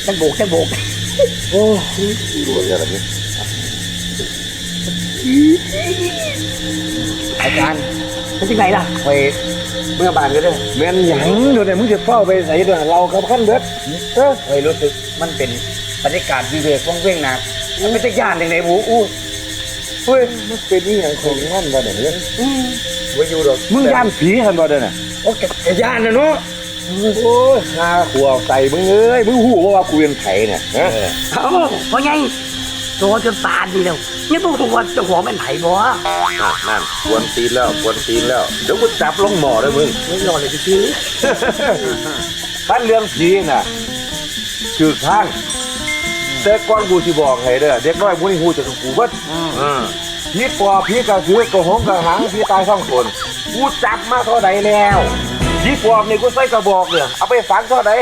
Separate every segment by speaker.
Speaker 1: จังโบก
Speaker 2: โอ้ดูอะไรแบบนี้
Speaker 1: อาจารย์เป็นยังไงล่ะ
Speaker 2: ไป
Speaker 1: เมื่อบานก็ได้
Speaker 2: แม่นหยังเดี๋ยวเนี่ยมึงจะเฝ้าไปใส่ด้วยเรากับขั้นเบิด
Speaker 1: รู้สึกมันเป็นบรรยากาศวิเวกว่างเว้งนะมันไม่ใช่ย่านอย่างไหนบูอู้
Speaker 2: เฮ้ยมันเป็นนี่อย่างของนั่นบ่เดี๋ยวนี้ไว้อยู่ดอกมึงย่านผีทันบ่เดี๋ยวน่ะ
Speaker 1: โอ้แกย่านนะเนาะ
Speaker 2: โอ้ยหาขวบใส่มึงเอ้ยมึงหูว่ากูเป็นไผ่เนี่ย
Speaker 1: เพราะไงโตจนตาดีแล้วยังต้องตัวเจ้าของเป็นไผ่บ่
Speaker 2: นั่นกวนตีนแล้วเดี๋ยวกูจับลงหม้อเลยมึง
Speaker 1: ไม่รอเลยพี่
Speaker 2: ท่านเรื่องผีน่ะคือข้างแต่ก่อนกูสิบอกให้เด้อเด็กน้อยผู้นี้ฮู้จักกูเบิดผีปอบผีกระสือกระหงกระหังผีตาย2 คนกูจับมาเท่าใดแล้วผีปอบนี่กูใส่กระบอกเนี่ยเอาไปฝังเท่าใด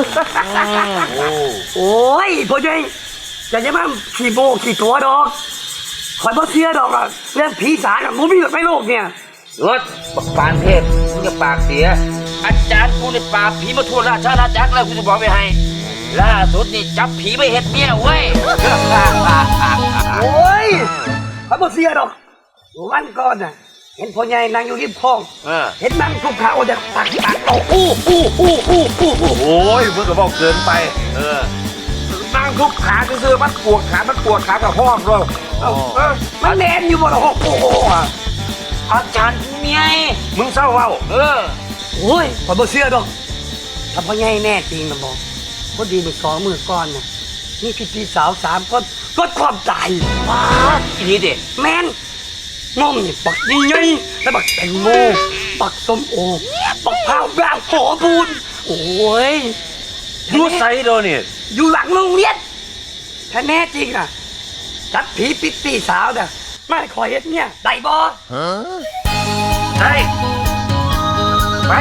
Speaker 1: โอ้ยพ่อใหญ่อย่ามาขี่โบขี่ตัวดอกคอยบ่เชื่อดอกอ่ะเรื่องผีสางอ่ะมึงมีแบบไม่โลกเนี่ย
Speaker 3: รถปานเทพมึงจะปากเสียอาจารย์กูในปราบผีมาทั่วราชอาณาจักรแล้วกูจะบอกไปให้ล่าสุดนี่จับผีไปเห็ดเมียเว้ย
Speaker 1: โอ้ยคอยบ่เชื่อดอกวันก่อนน่ะเห็นพ่อใหญ่นั่งอยู่ริมคลองเห็นนั่งทุกขาโอ้จะตักโอ้โ
Speaker 2: อ้ยมึงก็บอกเกินไปนั่งทุกขาซื่อมันปวดขากับห้องเลย
Speaker 1: มันแน่นอยู่บนหกโอ้โห
Speaker 3: อาจารย์เมีย
Speaker 2: มึงเศร้าเปล่า
Speaker 1: โอ้ยขอบอกเชื่อดอกถ้าพ่อใหญ่แน่จริงนะบอกพอดีมือ2 มือก้อนน่ะนี่พี่สาว3 คนก็ความใจ
Speaker 3: ว้าอีนี้เด็ก
Speaker 1: แมนน้องนี่ปักยิ่งใหญ่แล้วปักแตงโมปักส้มโอปักพร้าวแบบหอบูนโอ้ย
Speaker 2: ยูไซโดนี่
Speaker 1: อยู่หลังโรงเรียนถ้าแน่จริงอ่ะจัดผีปิดพี่สาวเด้อไม่ขอเฮ็ดเนี่ยได้บ่
Speaker 2: ได้ไป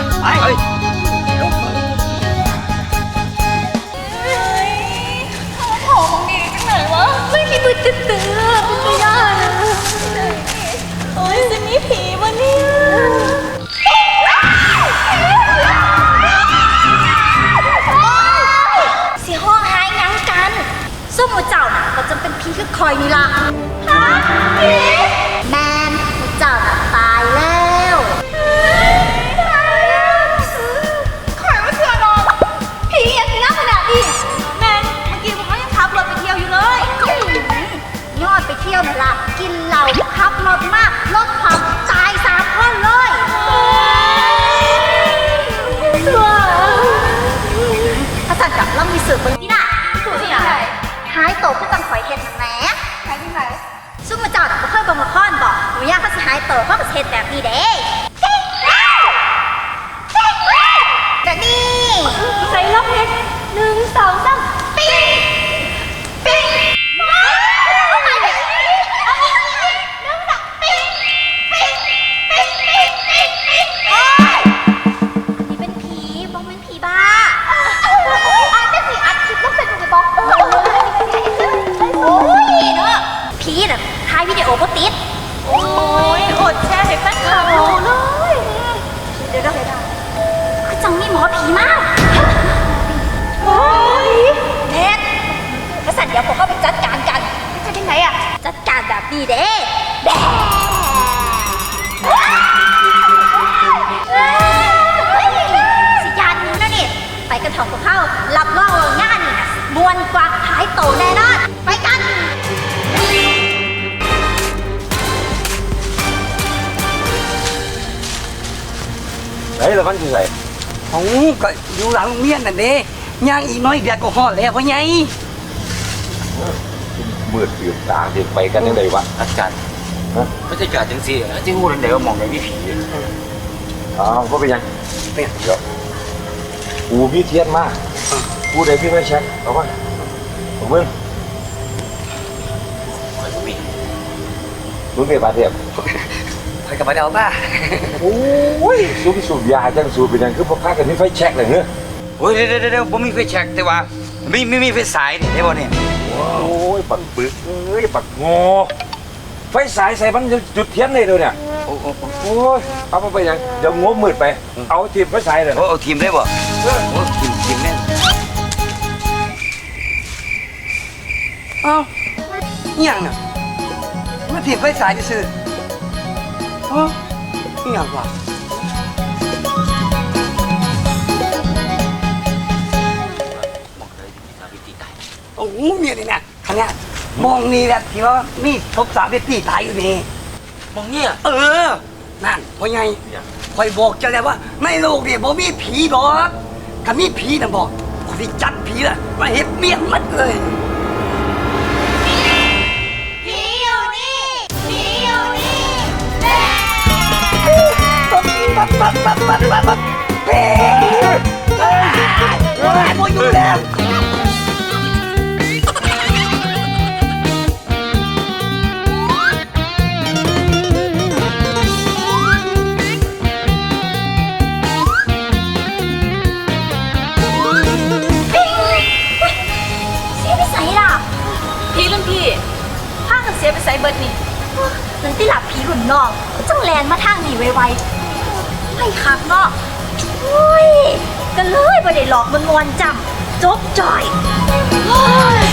Speaker 4: หอมดีจังไหนวะไม่มีมือตื้อไม่ได้โอ้ยจะมีผีวะเนี่ยสิห้องหายยังกันส้มหมูเจ้าน่ะก็จะเป็นผีคือคอยนี่ล่ะฮะผีแมนหมูเจ้าน่ะตายแล้วคอยมาเชื่อดอกผีอย่างที่น่าขนาดนี้แมนเมื่อกี้ผมก็ยังขับรถไปเที่ยวอยู่เลยยอดไปเที่ยวน่ะล่ะกินเหล้าขับรถมากรถความตาย3 คนเลยถ้าสั่งกับเรามีสื่อคนที่น่ะถูกที่ไหนหายโตขึ้นตั้งข่อยเห็ดแหมหายที่ไหนซุ่มมาจอดก็เคยบังละครบอกหนูอยากเขาสิหายโตเขาก็เห็ดแบบนี้เด้แต่นี่ใส่ล็อกเห็ด1 2 3ปิ๊งปิ๊งผีน่ะถ่ายวิดีโอก็ติดโอ้ยอดแชร์ให้แฟนคลับดูเลยเดี๋ยวคือจังมีหมอผีมากโอ้ยเน็ตกระสันเดี๋ยวผมเข้าไปจัดการกันจะยังไงอะจัดการแบบนี้เด้สิยานนี้นะนี่ไปกันถอดกับเข้ารับรองงานนี่นะมวนกว่าหายโตแน่นอนไปกัน
Speaker 2: ไหนละมันคือไง
Speaker 1: ของก็อยู่หลังโรงเรียนนั่นเด้ย่างอีกน้อยเดียวก็ฮอดแล้วพ่อใหญ่
Speaker 2: มืดตื่นตาเด็กไปกันยังไงวะ
Speaker 3: อาจารย์ไม่ใช่การจังสิที่พูดเดี๋ยวมองในวิผี
Speaker 2: ก็เป็นยังเดี๋ยวกูพี่เทียนมากกูได้พี่ไม่แช็คเอาป่ะผมมึงมึงเป็นบาดเจ็บ
Speaker 1: ไปกับมาเดาป่ะ
Speaker 2: โอ้ยสูบยาจังสูบเป็นยังคือพวกข้ากันนี่ไฟแช็คเลยเนอะ
Speaker 3: โอ้ยเดี๋ยวผมมีไฟแช็คแต่ว่าไม่ไฟสายนี่ได้ป่ะเนี่ย
Speaker 2: โอ้ยปักปึกปักงอไฟสายใส่มันจุดเทียนเลยเดี๋ยวเนี่ยโอ้ยเอาไปยังเดี๋ยวงบมืดไปเอาทีมไฟสายเลย
Speaker 3: เอาทีมได้ป่ะทีมแน่
Speaker 1: เอ้าอหย่างน่ะมาถีบไฟสายจะซื้อเอ้าอหย่างวะโอ้โหเนี่ยนี่นะขนาดมองนี่แหละที่ว่ามีศพสาวเวทีตายอยู่นี่
Speaker 3: มองเนี่ย
Speaker 1: นั่นพ่อใหญ่คอยบอกเจะแล้วว่าในโลกเนี่ยบ่มีผีดอกถ้ามีผีนะบอกคนที่จัดผีน่ะมาเห็ดเมียนมัดเลย
Speaker 4: ผีอยู่นี่ผีอยู่นี่
Speaker 1: ปั๊บเฮ้ยโมอยู่แล้ว
Speaker 4: เสียไปใส่ล่ะผีรุ่นพี่พากันเสียไปใส่เบิดนี่นั่นที่หลับผีรุ่นน้องจังแลนมาทางนี่ไวๆไม่คักเนาะโอ้ยกันเลยบ่ได้หลอกมันมวนจำจบจ่อยโอ้ย